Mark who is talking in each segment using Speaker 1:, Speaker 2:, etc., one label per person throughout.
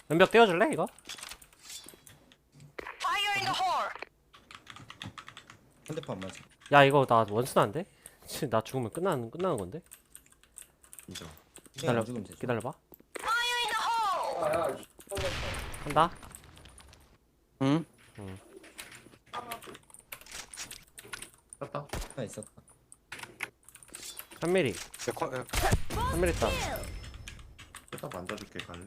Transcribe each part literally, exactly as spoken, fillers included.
Speaker 1: 왼벽 떼어줄래 이거?
Speaker 2: 핸드폰 안 맞아.
Speaker 1: 야 이거 나 원순한데? 치, 나 죽으면 끝나는 끝나는 건데?
Speaker 3: 인정.
Speaker 2: 그냥
Speaker 1: 기다려
Speaker 2: 안 죽으면 되죠.
Speaker 1: 기다려봐. 한다.
Speaker 4: 응?
Speaker 3: 땄다.
Speaker 2: 하나 있었다.
Speaker 1: 삼 밀리
Speaker 4: 야, 거, 야,
Speaker 1: 삼 밀리 있다.
Speaker 3: 땄다 만져줄게 갈래?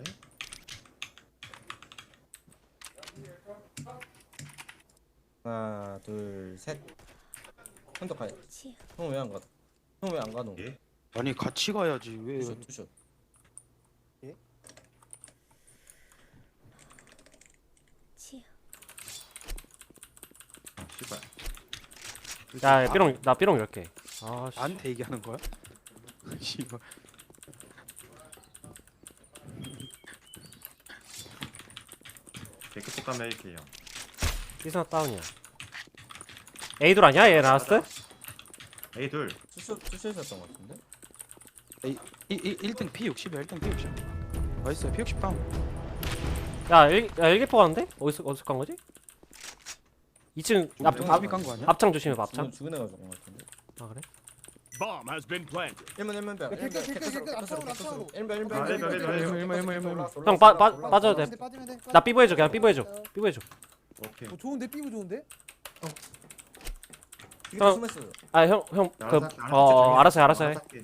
Speaker 2: 하나, 둘, 셋. 형도 가야. 형 왜 안 가? 형 왜 안 가노?
Speaker 3: 예?
Speaker 4: 아니 같이 가야지 왜?
Speaker 2: 투샷, 투샷.
Speaker 3: 아 씨발.
Speaker 1: 야, 야 삐롱 나 삐롱 열 개. 아 씨.
Speaker 4: 나한테 얘기하는 거야? 씨발.
Speaker 3: 개급 가면 이렇게 형.
Speaker 1: 삐스나 다운이야. 에이돌 아니야 얘 라스트?
Speaker 3: A 둘.
Speaker 2: 투샷, 투샷이었던 것 같은데?
Speaker 4: 이, 이, 일 등 피 육십이야 일 등 피 육십. 맛있어 피 육십 다운.
Speaker 1: 야, 일, 야 일기포 가는데? 어디서 어디서 간 거지? 이 층 앞,
Speaker 2: 좀
Speaker 1: 앞,
Speaker 4: 앞이 깐거 아니야?
Speaker 1: 앞창 조심해봐 앞창.
Speaker 2: 죽은, 죽은 애가 죽은 것 같은데?
Speaker 1: 아 그래?
Speaker 5: Bomb has been planted.
Speaker 2: 일문 일문 벽.
Speaker 6: 야, 개끝, 개끝, 개끝, 앞쪽으로, 앞쪽으로.
Speaker 2: 일문 일문
Speaker 3: 아, 일문, 일문, 일문,
Speaker 4: 일문, 일문, 일문.
Speaker 1: 형, 빠- 빠- 빠져도 돼.
Speaker 6: 빠지면 돼.
Speaker 1: 나 삐보 해줘 그냥 삐보 해줘. 삐보 해줘.
Speaker 3: 오케이.
Speaker 6: 어, 좋은데 삐부 좋은데?
Speaker 2: 이게
Speaker 1: 형.
Speaker 2: 숨었어.
Speaker 1: 아 형 형 그
Speaker 3: 알아서 할게,
Speaker 1: 어 알았어 해, 알았어 해.
Speaker 3: 할게.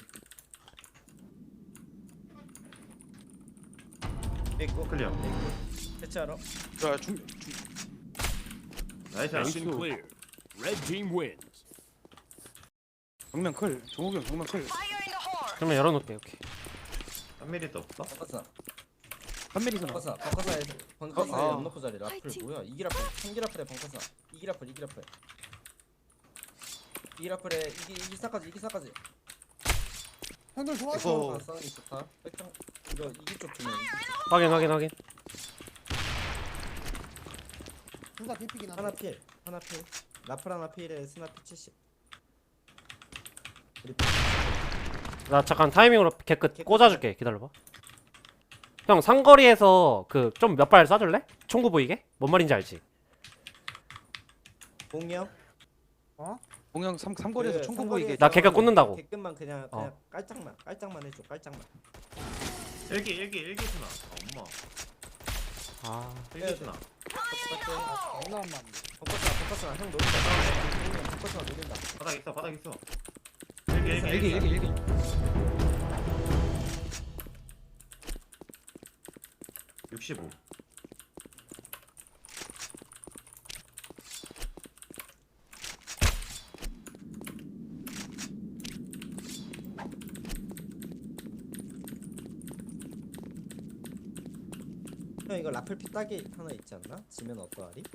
Speaker 2: 있고.
Speaker 3: 클리어.
Speaker 2: 대체하러.
Speaker 4: 야 중, 중
Speaker 3: 나이스.
Speaker 5: Mission clear. Red team wins.
Speaker 4: 정면 클. 종욱이 형 정면 클.
Speaker 1: 그러면 열어놓을게 오케이.
Speaker 3: 한 밀리도 없어?
Speaker 2: 바꿔서.
Speaker 4: 한 밀리서 나.
Speaker 2: 바꿔서. 바꿔서 애들. 번커서
Speaker 4: 아.
Speaker 2: 연노프 자리. 라플 뭐야? 이길 라플. 삼길 라플에 번커서. 이길 라플. 이길 라플. 이길 라플에 이기 이기 사까지 이기 사까지.
Speaker 6: 형들 좋아.
Speaker 4: 이거-
Speaker 2: 싸우는 게 좋다. 백장 이거 이기 쪽 주면.
Speaker 1: 확인 확인 확인.
Speaker 6: 둘다 개피긴
Speaker 2: 하나
Speaker 6: 하네.
Speaker 2: 필. 하나 필. 라플 하나 필에 스나 피 칠십. 우리
Speaker 1: 나 잠깐 타이밍으로 개끝 꽂아줄게 기다려봐. 형 상거리에서 그 좀 몇 발 쏴줄래? 총구 보이게? 뭔 말인지 알지?
Speaker 2: 공이 형.
Speaker 4: 공영 삼 삼거리에서
Speaker 2: 그
Speaker 4: 총구 보이게.
Speaker 1: 나 개가 꽂는다고.
Speaker 2: 개끝만 그냥
Speaker 1: 어.
Speaker 2: 그냥 깔짝만 깔짝만 해줘 깔짝만.
Speaker 3: 일기 일기 일기 스나. 아, 엄마.
Speaker 1: 아
Speaker 3: 일기 스나.
Speaker 2: 똑같아.
Speaker 6: 장난 안 맞네.
Speaker 2: 벙커스나 벙커스나 형 노린다. 벙커스나 노린다.
Speaker 3: 바닥 있어 바닥 있어. 일기 일기
Speaker 4: 일기 일기 일기.
Speaker 3: 육십오.
Speaker 2: 형 이거 라플 피따기 하나 있지 않나? 지면 어떠하리?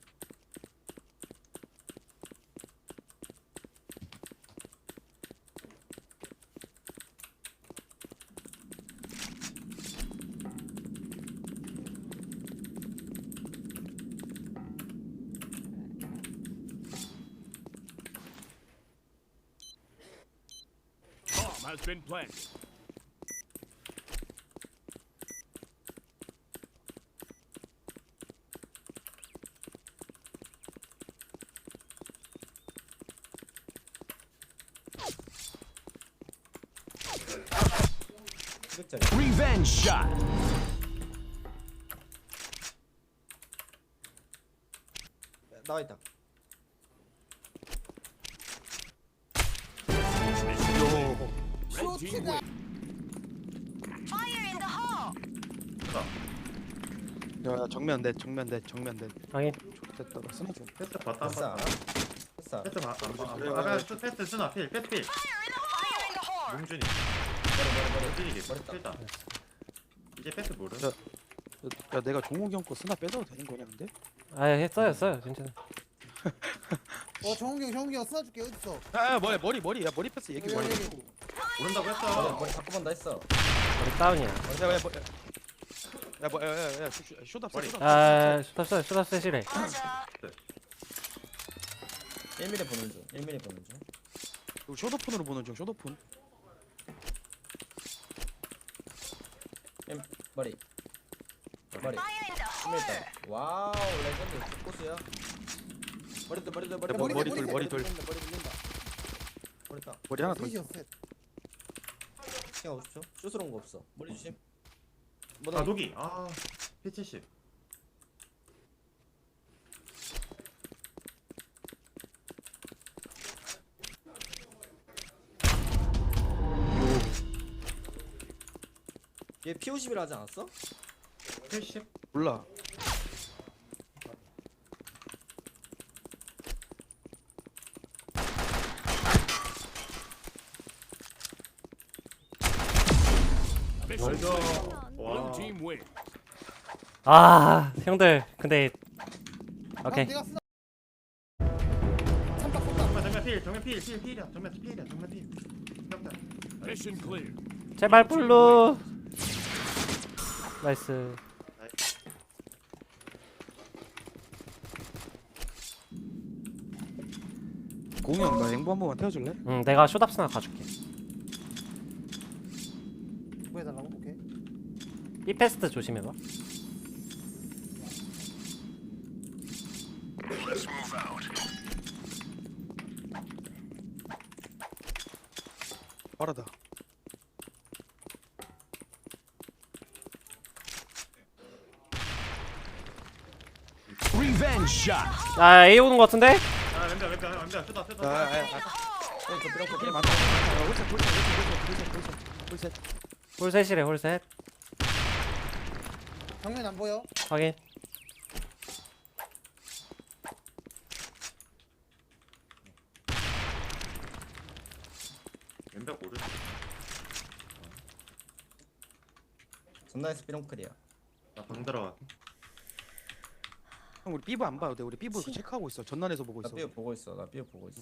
Speaker 5: Bomb has been planted.
Speaker 2: 이백짜리.
Speaker 5: Revenge shot.
Speaker 2: 나와 있다.
Speaker 5: Red team wins.
Speaker 4: 야 야, 정면 넷 정면 넷 정면 넷.
Speaker 1: 확인.
Speaker 4: 됐다. 나 스나 좀.
Speaker 3: 패스 봤다
Speaker 2: 패스 알아?
Speaker 3: 봤다.
Speaker 2: 패스 알아?
Speaker 3: 패스 봐. 안 봐. 안
Speaker 4: 그래,
Speaker 3: 봐. 아,
Speaker 4: 그래.
Speaker 3: 패스 스나 필. 패스 필. 몽준이.
Speaker 2: 머리 머리 머리.
Speaker 3: 몽준이
Speaker 2: 머리 딱.
Speaker 3: 필다. 이제 패스 모르.
Speaker 4: 야. 야 내가 종욱이 형거 스나 뺏어도 되는 거냐 근데?
Speaker 1: 아 했어요 했어요 괜찮아.
Speaker 6: 어, 정욱이 형, 정욱이 형 쓰나줄게. 어딨어?
Speaker 4: 아 머리 머리 머리 야 머리 패스 얘기
Speaker 6: 여기,
Speaker 4: 머리.
Speaker 6: 여기, 여기.
Speaker 3: 모른다고
Speaker 2: 머리
Speaker 3: 했어.
Speaker 2: 머리 바꿔본다 했어.
Speaker 1: 우리 다운이야.
Speaker 4: 야야 뭐. 야뭐야야야 쇼다
Speaker 3: 머리.
Speaker 4: 쇼다.
Speaker 1: 아 쇼다 쇼다 쇼다 세시래.
Speaker 2: 일 밀리 보는 중. 일 밀리 보는 중.
Speaker 4: 이거 쇼도폰으로 보는 중 쇼도폰.
Speaker 2: 일, 머리. 머리 숨어 있다. 와우 레전드 코스야. 머리들 머리들 머리
Speaker 4: 머리, 머리 돌,
Speaker 6: 셋,
Speaker 4: 머리 돌.
Speaker 6: 돌린다, 머리 돌린다.
Speaker 2: 머리 딱.
Speaker 4: 머리 하나 더 있어.
Speaker 6: 셋이요, 셋.
Speaker 2: 시간 오십 초. 쇼스러운 거 없어. 머리 조심.
Speaker 3: 아 녹이. 아 피 칠십.
Speaker 2: 얘 피 오십이라 하지 않았어?
Speaker 3: 칠십.
Speaker 4: 몰라.
Speaker 5: Mission
Speaker 3: Well
Speaker 5: clear.
Speaker 3: done.
Speaker 5: Blue
Speaker 3: 와.
Speaker 5: team win.
Speaker 1: 아 형들 근데 오케이.
Speaker 6: 내가 쓰나? 삼박 삼박.
Speaker 3: 정면 정면 필 정면 필 필 필이야. 정면 필이야. 정면 필. 깜짝.
Speaker 5: Mission clear.
Speaker 1: 제발 블루. 나이스.
Speaker 4: 공이 형, 나 앵보 한 번만 태워줄래?
Speaker 1: 응 내가 쇼답스나 가줄게.
Speaker 6: 뭐 해달라고? 오케이.
Speaker 1: 이 패스트 조심해봐.
Speaker 4: 빠르다.
Speaker 5: Revenge shot.
Speaker 1: 야 A 오는 거 같은데?
Speaker 3: 아 왼벽 왼벽 왼벽 쏘다
Speaker 4: 아,
Speaker 3: 쏘다.
Speaker 4: 아, 아.
Speaker 2: 형, 저 비랑
Speaker 4: 킬 많다. 아, 홀셋, 홀셋, 홀셋, 홀셋, 홀셋, 홀셋.
Speaker 1: 홀셋이래 홀셋.
Speaker 6: 정면 안 보여?
Speaker 1: 확인.
Speaker 3: 왼벽 오른.
Speaker 2: 전나에서 삐롱클이야.
Speaker 3: 나방 들어가.
Speaker 4: 형, 우리 삐부 안 봐도 돼. 우리 삐부 체크하고 있어. 전난에서 보고
Speaker 2: 나
Speaker 4: 있어.
Speaker 2: 삐어 보고 있어. 나 삐어 보고 있어.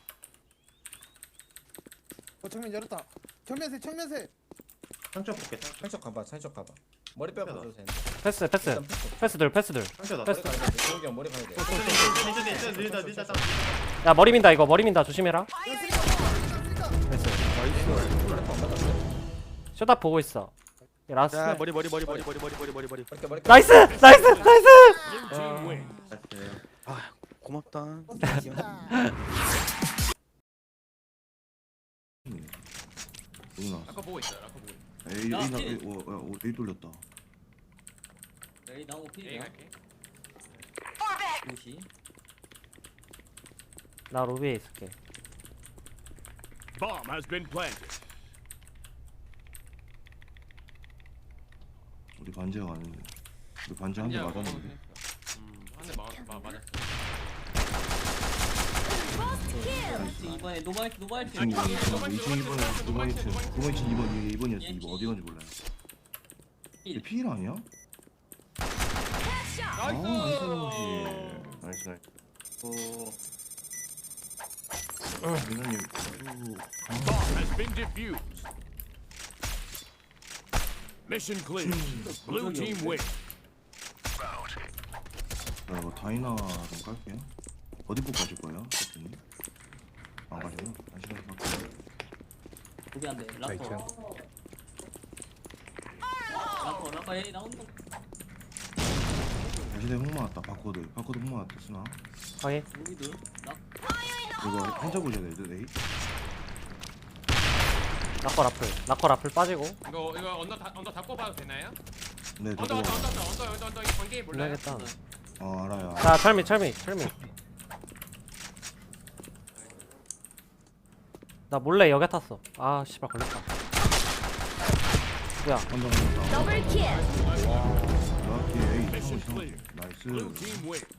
Speaker 6: 어 정면 열었다. 정면 셋, 정면 셋.
Speaker 3: 상처 볼게. 상처.
Speaker 2: 창척 가봐. 창척 가봐. 머리 빼고 가도 되는데.
Speaker 1: 패스 패스.
Speaker 2: 일단 패스.
Speaker 1: 패스들 패스들.
Speaker 3: 상처 나.
Speaker 1: 패스.
Speaker 2: 머리 가야 돼. 조용히 형 머리 가야 돼.
Speaker 3: 천천히 천천히 천천히 밀다 밀다.
Speaker 1: 야 머리 민다 이거 머리 민다 조심해라.
Speaker 6: 야 쓰리카, 쓰리카, 쓰리카.
Speaker 1: 됐어.
Speaker 4: 나이스.
Speaker 1: 쇼답 보고 있어. 야, 라스.
Speaker 4: 자, 머리, 머리, 머리, 머리, 머리, 머리, 머리, 머리, 머리.
Speaker 2: 머리 머리.
Speaker 1: 나이스 나이스 나이스.
Speaker 5: Blue team win.
Speaker 4: 아, 고맙다.
Speaker 7: 누나
Speaker 8: 아까 보고 있어요. 아까 보고 있어.
Speaker 7: 에이
Speaker 8: 야,
Speaker 7: 에이 나
Speaker 8: 필.
Speaker 7: 에이 어, 어, 에이 돌렸다.
Speaker 8: 에이 나오고 A 필이야. 갈게. 무시.
Speaker 1: 나 로비에 있을게.
Speaker 5: Bomb has been planted.
Speaker 7: 우리 반지가 가는데 우리 반지 한 대 맞았는데
Speaker 8: 음, 한대 맞, 맞, 맞았어. 이번에 노바이트 노바이트.
Speaker 7: 이 층 이 층 이 번에 두 번 이 층 두 번 이 층 이 번 이게 이 번이었어. 이 번 어디 건지 몰라요.
Speaker 8: 일.
Speaker 7: 필 아니야? 아 나이스 나이스 나이스. 어 민호님
Speaker 5: Bomb has been defused. Mission clear. Blue team win.
Speaker 7: 나 이거 다이나 좀 깔게요. 어디 꼭 가실 거예요? 대표님? 안 가세요? 안 시간이 갈게요.
Speaker 8: 두개 안돼. 라커. 라커 라커 에이 나온다.
Speaker 7: 다시대 홍마 왔다. 바코드 바코드 홍마 왔다. 쓰나?
Speaker 1: 확인.
Speaker 8: 여기도 라.
Speaker 7: 이거 혼자 보셔야 돼. 에이
Speaker 1: 라커 라플. 라커 라플 빠지고.
Speaker 9: 이거 이거 언더 다, 언더 닫고 봐도 되나요?
Speaker 7: 네
Speaker 9: 언더
Speaker 7: 저도
Speaker 9: 언더 언더 언더 언더 언더 언더 이 관계 몰라요?
Speaker 1: 몰라야겠다.
Speaker 7: 어 알아요.
Speaker 1: 자 철미 철미 철미. 나 몰래 여기 탔어. 아 씨발 걸렸다. 뭐야?
Speaker 7: 혼자 혼자.
Speaker 10: 더블킬.
Speaker 7: 정확히 에이
Speaker 5: Mission
Speaker 7: 형,
Speaker 5: clear.
Speaker 7: 나이스.
Speaker 5: Blue team win.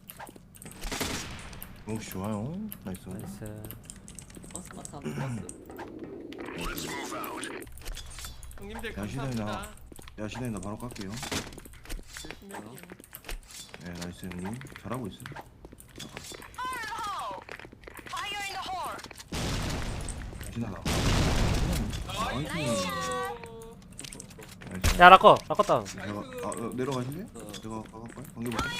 Speaker 7: 역시 좋아요. 나이스.
Speaker 1: 나이스.
Speaker 8: 버스 마타 버스.
Speaker 9: 형님들
Speaker 7: 야, 시간이
Speaker 9: 감사합니다.
Speaker 7: 나와. 야 시대님 나 바로 깎게요.
Speaker 9: 열심히 할게요.
Speaker 7: 네 나이스 형님 잘하고 있어. 시나 나. 나이스. 나이스.
Speaker 1: 야 라커 라커 다운.
Speaker 7: 제가 아 어, 내려가실래? 제가 가갈까요? 관계 볼까요?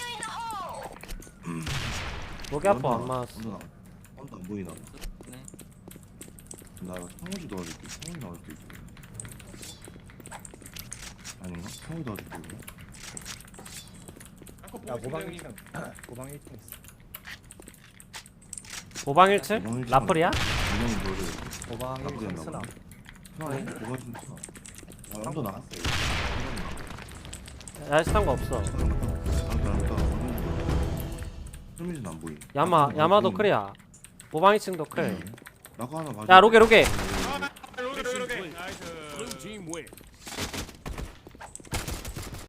Speaker 1: 목이 아파 안 맞았어.
Speaker 7: 언더 나. 언더 안 보이나?
Speaker 8: 네.
Speaker 7: 나 성우지 도와줄게. 성우지 나올 수 있어. 아닌가? 성우지 도와줄게. 이거.
Speaker 9: 아까
Speaker 3: 야
Speaker 9: 보고
Speaker 3: 모방
Speaker 9: 있습니다,
Speaker 3: 일
Speaker 9: 형님.
Speaker 3: 층 모방 일 층 있어.
Speaker 1: 보방 일 층?
Speaker 7: 보방 일 층.
Speaker 1: 라플이야?
Speaker 7: 분명히 너를
Speaker 3: 모방 일
Speaker 7: 나쁘지
Speaker 3: 층
Speaker 7: 않나
Speaker 3: 쓰나.
Speaker 7: 보네. 아, 뭐가 좀 있어. 아, 언더 나갔어요.
Speaker 1: 야시탄 거 없어.
Speaker 7: 나갔다 나갔다. 설미진 안 보이.
Speaker 1: 야마
Speaker 7: 나도
Speaker 1: 야마도
Speaker 7: 보이네.
Speaker 1: 클이야. 보방 이 층도 클.
Speaker 7: 나가 하나 봐줘.
Speaker 1: 야 로게 로게